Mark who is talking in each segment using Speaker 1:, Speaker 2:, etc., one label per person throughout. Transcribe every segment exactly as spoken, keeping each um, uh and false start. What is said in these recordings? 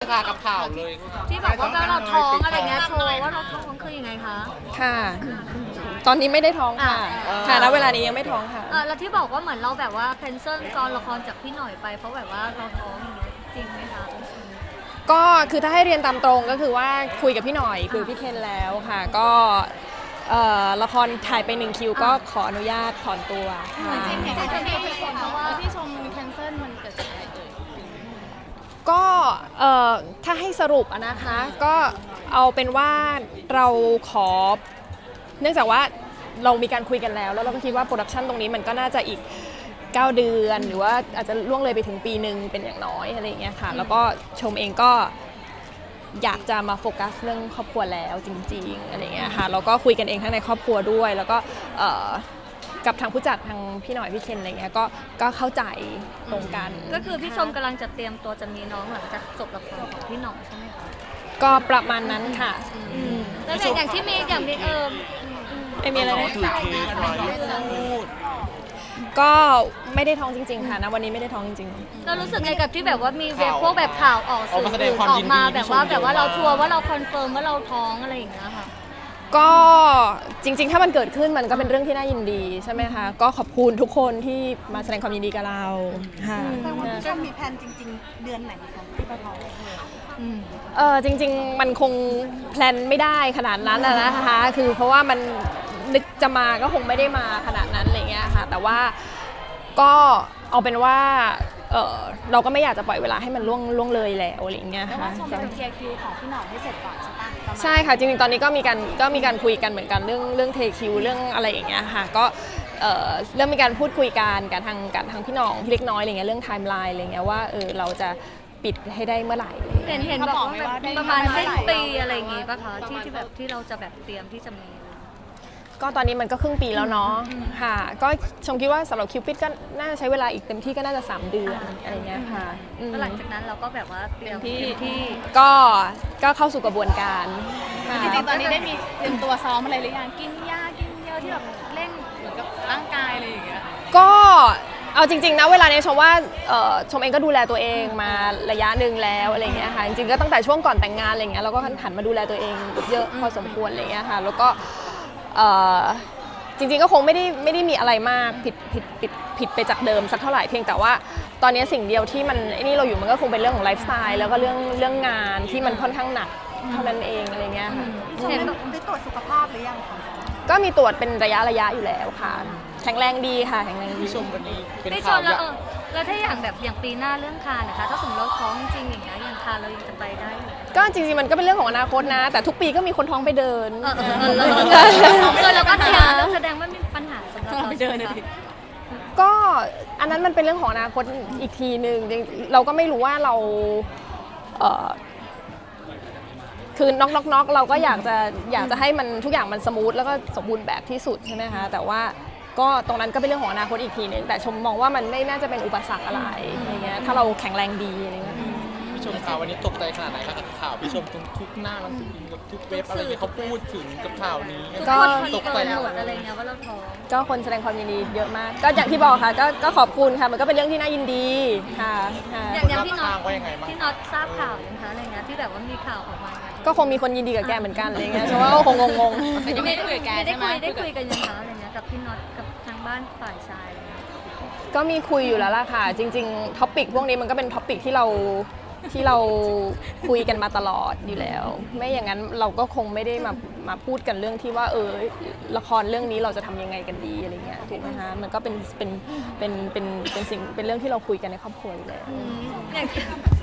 Speaker 1: ค่ะกับข่าวเลย
Speaker 2: ที่บอกว่าเราท้องอะไรเงี้ยโชว์ว่าเราท้องคือยังไงคะ
Speaker 3: ค่ะตอนนี้ไม่ได้ท้องค่ะ
Speaker 2: อ่า
Speaker 3: ค่ะแล้วเวลานี้ยังไม่ท้องค่ะ
Speaker 2: เออแล้วที่บอกว่าเหมือนเราแบบว่าแคนเซิลกองละครจากพี่หน่อยไปเพราะแบบว่าเราท้องอย่างเงี้ยจริงไหมคะ
Speaker 3: ก็คือถ้าให้เรียนตามตรงก็คือว่าคุยกับพี่หน่อยคุยกับพี่เคนแล้วค่ะก็เอ่อละครถ่ายไปหนึ่งคิวก็ขออนุญาตถอนตัวค่ะ
Speaker 2: จริงๆเห็นที่ที่เพราะว่า
Speaker 4: ที่ชมแคนเซิลมันเกิดจากอะไรเอ่ย
Speaker 3: ก็เอ่อถ้าให้สรุปอะนะคะก็เอาเป็นว่าเราขอเนื่องจากว่าเรามีการคุยกันแล้วแล้วเราก็คิดว่าโปรดักชันตรงนี้มันก็น่าจะอีกเก้าเดือนหรือว่าอาจจะล่วงเลยไปถึงปีหนึ่งเป็นอย่างน้อยอะไรอย่างเงี้ยค่ะแล้วก็ชมเองก็อยากจะมาโฟกัสเรื่องครอบครัวแล้วจริงๆอะไรอย่างเงี้ยค่ะแล้วก็คุยกันเองทั้งในครอบครัวด้วย แล้วก็เอ่อกับทางผู้จัดทางพี่หน่อยพี่เคนอะไรเงี้ยก็ก็เข้าใจตรงกัน
Speaker 2: ก็คือพี่ชมกำลังจะเตรียมตัวจะมีน้องหลังจากจบละครของพี่หน่องใช่ไหมคะ
Speaker 3: ก็ประมาณนั้นค่ะ
Speaker 2: แล้วอย่างอย่างที่มีอย่างมีเออ
Speaker 3: ไม่มีอะไรนะ
Speaker 1: ถือเค้กไว้พูด
Speaker 3: ก็ไม่ได้ท้องจริงๆค่ะนะวันนี้ไม่ได้ท้องจริง
Speaker 2: เรารู้สึกไงกับที่แบบว่ามีเว็บพวกแบบข่าวออกสื่อ
Speaker 1: ออกมาแสดงความ
Speaker 2: ออ
Speaker 1: ยิ
Speaker 2: ก
Speaker 1: นดี
Speaker 2: มาแบบว่า
Speaker 1: ที่ชม
Speaker 2: แบบว่าเรา
Speaker 1: เยอะมาก
Speaker 2: ชัวร์ว่าเราคอนเฟิร์มว่าเราท้องอะไรอย่างเงี้ยค่ะ
Speaker 3: ๆก็จริงๆ ถ้ามันเกิดขึ้นมันก็เป็นเรื่องที่น่ายินดีใช่ไหมคะก็ขอบคุณทุกคนที่มาแสดงความยินดีกับเราค่ะ
Speaker 4: แสดงว่าพี่ชมมีแผนจริงๆ เดือนไหนคะที่จะท้อง
Speaker 3: เออจริงๆ มันคงแพลนไม่ได้ขนาดนั้นนะนะคะคือเพราะว่ามันนึกจะมาก็คงไม่ได้มาขนาดนั้นอะไรเงี้ยค่ะแต่ว่าก็เอาเป็นว่าเออเราก็ไม่อยากจะปล่อยเวลาให้มันล่วงล่วงเลยแล้วอะไรเงี้ย
Speaker 4: แล้ว
Speaker 3: ค่ะ
Speaker 4: ว่าชมจะเคลียร์คิวของพี่หน่อยให้เสร็จก่อนใช่ปะประมาณ
Speaker 3: ใช่ค่ะจริงๆ ตอนนี้ก็มีการก็มีการคุยกันเหมือนกันเรื่องเรื่องเทคิวเรื่องอะไรอย่างเงี้ยค่ะก็เอ่อเริ่มมีการพูดคุยกันกับทางกับทางพี่น้องพี่เล็กน้อยอะไรเงี้ยเรื่องไทม์ไลน์อะไรเงี้ยว่าเออเราจะปิดให้ได้เมื่อไหร่
Speaker 2: เห็นเห็นบอกว่าแบบประมาณสิ้นปีอะไรอย่างงี้ป่ะคะที่ที่แบบที่เราจะแบบเตรียมที่จะมี
Speaker 3: ก็ตอนนี้มันก็ครึ่งปีแล้วเนาะค่ะก็ชมคิดว่าสำหรับคิวปิดก็น่าจะใช้เวลาอีกเต็มที่ก็น่าจะสามเดือนอะไรเงี้ยค่ะอืม
Speaker 2: แล้วหลังจากนั้นเราก็แบบว่าเตรียมที่ที่
Speaker 3: ก็ก็เข้าสู่กระบวนการค่ะ
Speaker 4: จริงๆ ตอนนี้ได้มีเตรียมตัวซ้อมอะไรหรือยังกินยากินเยอะที่แบบเร่งเหมือนกับร่างกายอะไรอย่างเงี้ย
Speaker 3: ก็เอาจริงๆนะเวลานี้ชมว่าเอ่อชมเองก็ดูแลตัวเองมาระยะหนึ่งแล้วอะไรเงี้ยค่ะจริงๆก็ตั้งแต่ช่วงก่อนแต่งงานอะไรเงี้ยเราก็หันมาดูแลตัวเองเยอะพอสมควรอะไรเงี้ยค่ะแล้วก็เอ่อจริงๆก็คงไม่ได้ไม่ได้มีอะไรมากผิดผิดผิดผิดไปจากเดิมสักเท่าไหร่เพียงแต่ว่าตอนนี้สิ่งเดียวที่มันไอ้นี่เราอยู่มันก็คงเป็นเรื่องของไลฟ์สไตล์แล้วก็เรื่องเรื่องงานที่มันค่อนข้างหนักเท่านั้นเองอะไรเงี้ยค่ะ
Speaker 2: เห็น
Speaker 4: ได้ตรวจสุขภาพหรือยังคะ
Speaker 3: ก็มีตรวจเป็นระยะระยะอยู่แล้วค่ะแข็งแรงดีค่ะแข็งแรงดี
Speaker 1: พี่ชมวันนี้เป็น
Speaker 2: ได้ช
Speaker 1: ข่าว
Speaker 2: นแล้ว
Speaker 1: ใหญ่
Speaker 2: เออแล้วถ้าอย่างแบบอย่างปีหน้าเรื่องคานนะคะถ้าสมมติเราท้องจริงอย่างเงี้ยอย่างคานเรายังจะไปได้อยู่
Speaker 3: ก็จริงๆมันก็เป็นเรื่องของอนาคตนะ แต่ทุกปีก็มีคนท้องไปเดิน
Speaker 2: เออเออเออเออเออเราก็เตรียมแล้วแสดงว่ามีปัญหาสำหรับเรา
Speaker 4: ไปเดินเลยดิ
Speaker 3: ก็อันนั้นมันเป็นเรื่องของอนาคตอีกทีหนึ่งจริงๆเราก็ไม่รู้ว่าเราเอ่อคือน็อกน็อกน็อกเราก็อยากจะอยากจะให้มันทุกอย่างมันสมูทแล้วก็สมบูรณ์แบบที่สุดใช่ไหมคะแต่ว่าก็ตรงนั้นก็เป็นเรื่องของอนาคตอีกทีหนึ่งแต่ชมมองว่ามันไม่น่าจะเป็นอุปสรรคอะไรอย่างเงี้ยถ้าเราแข็งแรงดีอะไรเงี้ย
Speaker 1: พี่ชมข่าววันนี้ตกใจขนาดไหนคะกับข่าวพี่ชมทุกทุกหน้าหนังสือพิมพ์กับทุกเว็บอะไรเงี้ยเขาพูดถึงกับข่าวนี้
Speaker 2: ทุก
Speaker 3: ก็
Speaker 2: คน
Speaker 1: ต
Speaker 2: ต
Speaker 1: ก
Speaker 2: ก
Speaker 1: ใจ
Speaker 2: ใจหมดอะไรเงี้ยว่าเราท้อง
Speaker 3: ก็คนแสดงความยินดีเยอะมาก ก็อย่างที่บอกค่ะก็ก็ขอบคุณค่ะมันก็เป็นเรื่องที่น่ายินดีค่ะค่ะ
Speaker 2: อย่างอย่างพี่น็อ
Speaker 1: ทา
Speaker 2: ต
Speaker 1: งว่ายังไงบ้าง
Speaker 2: พี่น็อตทราบข่าวยังคะอะไรเงี้ยที่แบบว่ามีข่าวออกมา
Speaker 3: ก็คงมีคนยินดีกับแกเหมือนกันอะไรเงี้ยเพราะว่าก็คงงง
Speaker 4: แต่ยังไม่ได้คุยกับแก
Speaker 2: ได้
Speaker 4: ใช่ไหม
Speaker 2: คุยได้คุยกันยังคะอะไรเงี้ยกับพี่น็อตกับทางบ้านฝ่ายชายอะไรเงี้ย
Speaker 3: ๆก็มีคุยอยู่แล้วล่ะค่ะ จริงๆท็อปิกพวกนี้มันก็เป็นท็อปิกที่เราที่เราคุยกันมาตลอดอยู่แล้ว ไม่อย่างนั้นเราก็คงไม่ได้มามาพูดกันเรื่องที่ว่าเออละครเรื่องนี้เราจะทำยังไงกันดีอะไรเงี้ยถูกไหมคะมันก็เป็นเป็นเป็นเป็นเป็นสิ่งเป็นเรื่องที่เราคุยกันในครอบครัวอยู่แล้ว
Speaker 2: อย่างที่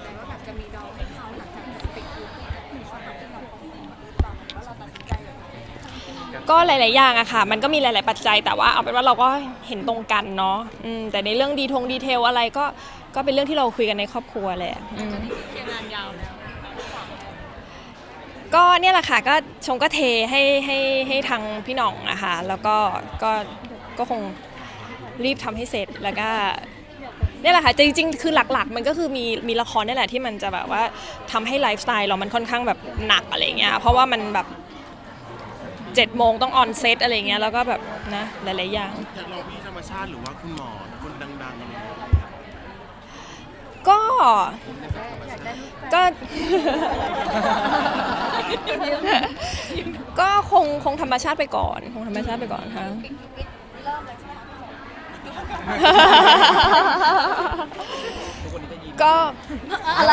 Speaker 3: ก็หลาย ๆ อย่างอะค่ะ มันก็มีหลาย ๆ ปัจจัย แต่ว่าเอาเป็นว่าเราก็เห็นตรงกันเนาะอืมแต่ในเรื่องดีทงดีเทลอะไรก็ก็เป็นเรื่องที่เราคุยกันในครอบครัวแหละอืมก็เนี่ยแหละค่ะ ก็ชงก็เทให้ให้ให้ทางพี่หน่องอะค่ะ แล้วก็ก็ก็คงรีบทำให้เสร็จ แล้วก็เนี่ยแหละค่ะ จริง ๆ คือหลัก ๆ มันก็คือมีมีละครนี่แหละที่มันจะแบบว่าทำให้ไลฟ์สไตล์เรามันค่อนข้างแบบหนักอะไรเงี้ย เพราะว่ามันแบบเจ็ดโมงต้องออนเซตอะไรเงี้ยแล้วก็แบบนะหลายๆอย่าง
Speaker 5: อยากลองพี่ธรรมชาติหรือว่าคุณหมอคนดังๆอะไรอย่างเงี้ย
Speaker 3: ก็ก็ ก็คงคงธรรมชาติไปก่อนคงธรรมชาติไปก่อนค่ะก็อะไร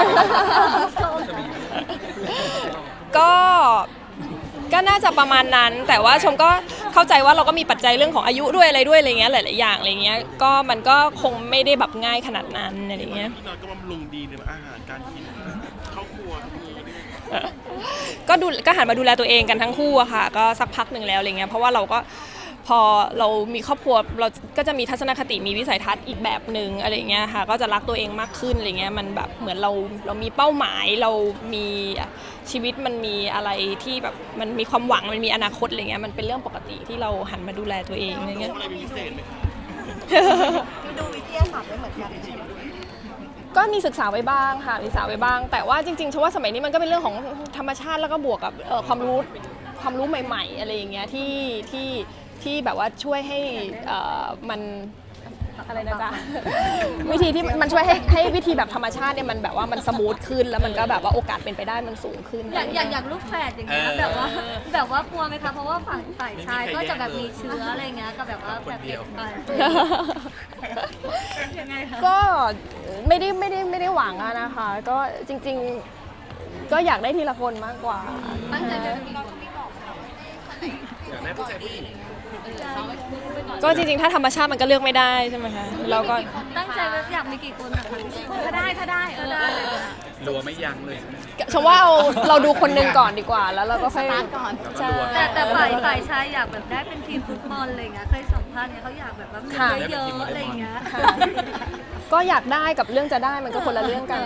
Speaker 3: ก็ก็น่าจะประมาณนั้น แต่ว่าชมก็เข้าใจว่าเราก็มีปัจจัยเรื่องของอายุด้วยอะไรด้วยอะไรเงี้ยหลายๆอย่างอะไรเงี้ยก็มันก็คงไม่ได้แบบง่ายขนาดนั้นอะไรเงี้ย
Speaker 5: พี่น้อยก็บำรุงดีในอาหารการกินเข้าวครัวทุกมื้อเนี่ย
Speaker 3: ก็ดูก็หันมาดูแลตัวเองกันทั้งคู่อะค่ะก็สักพักหนึ่งแล้วอะไรเงี้ยเพราะว่าเราก็พอเรามีครอบครัวเราก็จะมีทัศนคติมีวิสัยทัศน์อีกแบบหนึ่งอะไรเงี้ยค่ะก็จะรักตัวเองมากขึ้นอะไรเงี้ยมันแบบเหมือนเราเรามีเป้าหมายเรามีชีวิตมันมีอะไรที่แบบมันมีความหวังมันมีอนาคตอะไรเงี้ยมันเป็นเรื่องปกติที่เราหันมาดูแลตัวเองอะไรเงี้ย
Speaker 5: อะไรเป็นพิเศษไหมคะ
Speaker 6: ดูวิทยาศาสตร์ไว้เหมือนกันใช่ไหม
Speaker 3: ก็มีศึกษาไว้บ้างค่ะศึกษาไว้บ้าง แต่ว่าจริงๆฉันว่าสมัยนี้มันก็เป็นเรื่องของธรรมชาติแล้วก็บวกกับเอ่อความรู้ความรู้ใหม่ๆอะไรอย่างเงี้ยที่ที่ที่แบบว่าช่วยให้เอ่อมันอะไรนะจ๊ะ วิธีที่มันช่วยให้ให้วิธีแบบธรรมชาติเนี่ยมันแบบว่ามันสมูทขึ้นแล้วมันก็แบบว่าโอกาสเป็นไปได้มันสูงขึ้น
Speaker 2: อย่างอย่างอย่างลูกแฝดอย่างเงี้ยแบบว่าแบบว่ากลัวไหมคะเพราะว่าฝั่งฝ่ายชายก็จะแบบมีเชื้ออะไรเงี้ยก็แบบว่าแบบเด็กไปยังไงคะ
Speaker 3: ก็ไม่ได้ไม่ได้ไม่ได้หวังอะนะคะ ก็จริงๆก็อยากได้ทีละคนมากกว่า
Speaker 2: ตั้งใจจะมี
Speaker 5: อยากได้ผู้ชายผู้หญิง
Speaker 3: ก็จริงๆถ้าธรรมชาติมันก็เลือกไม่ได้ใช่ไหมคะเราก็
Speaker 2: ตั้งใจว่าอยากมีกี่คนนะคะ
Speaker 4: ถ้าได้ถ้าได้เออ
Speaker 2: ได้เลยนะ
Speaker 1: รัวไม่ยั้งเลย
Speaker 3: ฉันว่าเอาเราดูคนหนึ่งก่อนดีกว่า แล้วเราก็ค่อย
Speaker 4: สตาร์ทก่อน
Speaker 3: ใช่
Speaker 2: แต่แต่ฝ่ายฝ่ายชายอยากแบบได้เป็นทีมฟุตบอลอะไรเงี้ยเคยสัมภาษณ์เนี่ยเขาอยากแบบว่ามีเยอะๆอะไรเงี้ย
Speaker 3: ค่ะก็อยากได้กับเรื่องจะได้มันก็คนละเรื่องกัน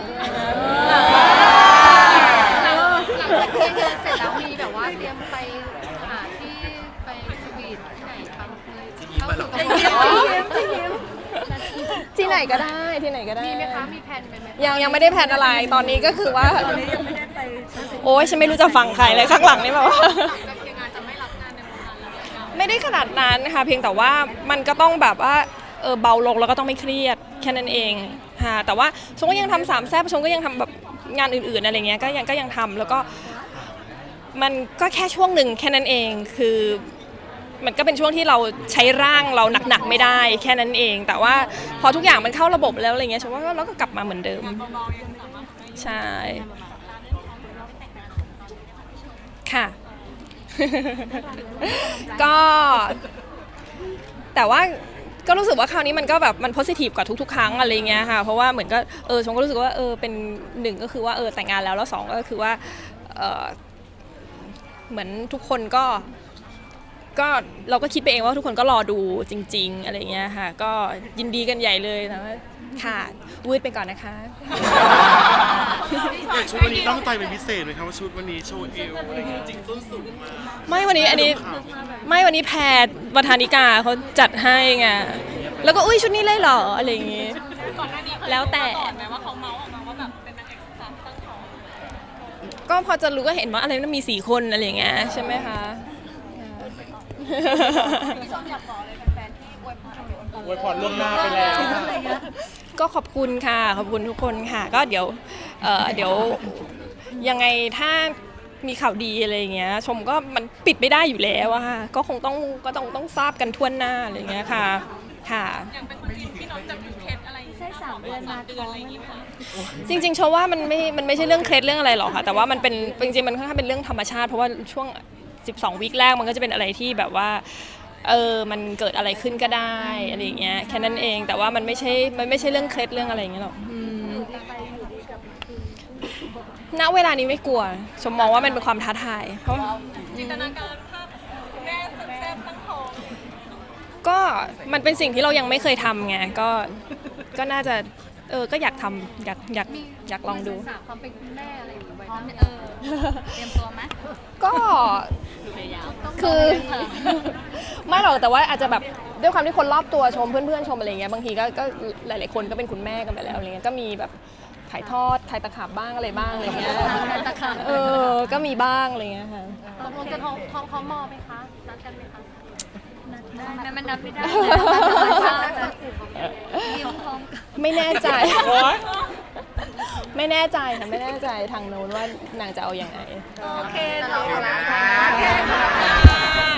Speaker 4: หลังจากเที่ยงงานเสร็จแล้วมีแบบว่าเตรียมไปหาที่ไปสวีทที่ไหนทำเลยเข้าสู่กระบวนการ
Speaker 3: ที่ไหนก็ได้ที่ไหนก็ได้
Speaker 4: มีไหมคะมีแผนไหม
Speaker 3: ยังยังไม่ได้แพลนอะไรตอนนี้ก็คือว่า
Speaker 2: ตอนนี้ยังไม่ได้ไป
Speaker 3: โอ้ยฉันไม่รู้จะฟังใครเลยข้างหลังนี่แบบว่า
Speaker 4: จากเที่ยงงานจะไม่รับงานในวงการแล้ว
Speaker 3: ไม่ได้ขนาดนั้นค่ะเพียงแต่ว่ามันก็ต้องแบบว่าเออเบาลงแล้วก็ต้องไม่เครียดแค่นั้นเองค่ะแต่ว่าชมก็ยังทำสามแซ่บชมก็ยังทำแบบงานอื่นๆอะไรเงี้ยก็ยังก็ยังทำแล้วก็มันก็แค่ช่วงหนึ่งแค่นั้นเองคือมันก็เป็นช่วงที่เราใช้ร่างเราหนักๆไม่ได้แค่นั้นเอง แต่ว่าพอทุกอย่างมันเข้าระบบแล้วอะไรเงี้ยชมว่าเราก็กลับมาเหมือนเดิมใช่ค่ะ ก็แต่ว่าก็รู้สึกว่าคราวนี้มันก็แบบมันโพสิทีฟกว่าทุกๆ ครั้งอะไรเงี้ยค่ะเพราะว่าเหมือนก็เออชมก็รู้สึกว่าเออเป็นหนึ่งก็คือว่าเออแต่งงานแล้วแล้วสองก็คือว่าเออเหมือนทุกคนก็ก็เราก็คิดไปเองว่าทุกคนก็รอดูจริงๆอะไรเงี้ยค่ะก็ยินดีกันใหญ่เลยนะค่ะวืดไปก่อนนะคะ
Speaker 5: แต่ชุดวันนี้ตั้งใจเป็นพิเศษไหมคะว่าชุดวันนี้โชว์เอวอะไรเงี้ยจริงส้นสูงมาก
Speaker 3: ไม่วันนี้อันนี้ไม่วันนี้แพทย์ประธานิกาเขาจัดให้ไงแล้วก็อุ้ยชุดนี้เลยเหรออะไรอย่างงี้แล้วแต่แม้ว่าเขาเมาส์ออกมาว่าแบบเป็นนางเอกสาวตั้งท้องก็พอจะรู้ก็เห็นว่าอะไรมันมีสี่คนอะไรอย่างเงี้ยใช่ไหมคะ
Speaker 4: พี่ชมอยากบอกเลยแฟนๆที่อวยพร
Speaker 1: อวยพรล่วงหน้าไปแล้ว
Speaker 2: อะไรเงี้ย
Speaker 3: ก็ขอบคุณค่ะขอบคุณทุกคนค่ะก็เดี๋ยวเอ่อเดี๋ยวยังไงถ้ามีข่าวดีอะไรอย่างเงี้ยชมก็มันปิดไม่ได้อยู่แล้วอะค่ะก็คงต้องก็ต้องต้องทราบกันทั่วหน้าอะไรอย่างเงี้ยค่ะค่ะ
Speaker 4: อย่างเป็นคนจีนที่น้องจะมีเคล็ดอะไร
Speaker 2: ใช่สามเดือนมาท้องไหมคะ
Speaker 3: จริงๆชมว่ามันไม่มันไม่ใช่เรื่องเคล็ดเรื่องอะไรหรอกค่ะแต่ว่ามันเป็นจริงๆมันค่อนข้างเป็นเรื่องธรรมชาติเพราะว่าช่วงสิบสองวีคแรกมันก็จะเป็นอะไรที่แบบว่าเออมันเกิดอะไรขึ้นก็ได้อะไรอย่างเงี้ยแค่นั้นเองแต่ว่ามันไม่ใช่มันไม่ใช่เรื่องเคล็ดเรื่องอะไรอย่างเงี้ยหรอกอืมณเวลานี้ไม่กลัวชมมองว่ามันเป็นความท้าทายเพราะ
Speaker 4: จินตนาการภาพแม่แซ่บตั้งท้อง
Speaker 3: ก็มันเป็นสิ่งที่เรายังไม่เคยทำไงก็ก็น่าจะเออก็อยากทำอยากอยากอยากลองดู
Speaker 4: สาวความเป็นคุณแม่อะไรอย่างเงี้ยไว้บ้างเออเตรียมตัวไหม
Speaker 3: ก็คือไม่หรอกแต่ว่าอาจจะแบบด้วยความที่คนรอบตัวชมเพื่อนๆชมอะไรเงี้ยบางทีก็ก็หลายๆคนก็เป็นคุณแม่กันไปแล้วอะไรเงี้ยก็มีแบบถ่ายทอดถ่ายตะขาบบ้างอะไรบ้างอะไรเงี้ย
Speaker 2: ถ่ายตะขาบ
Speaker 3: เออก็มีบ้างอะไรเงี้ยค่ะ
Speaker 4: ตกลงจะท้องท้องพร้อมมอไหมคะนัดกันไหมคะ
Speaker 2: นาทีได้ไหมมันนับไม่ได้นะยิ้มพร้อมกัน
Speaker 3: ไม่แน่ใจ
Speaker 1: โอ๊ย
Speaker 3: ไม่แน่ใจค่ะไม่แน่ใจทางโน้นว่านางจะเอาอย่างไง
Speaker 2: โอเค
Speaker 4: แต่เรา
Speaker 2: เนาะ
Speaker 4: เรา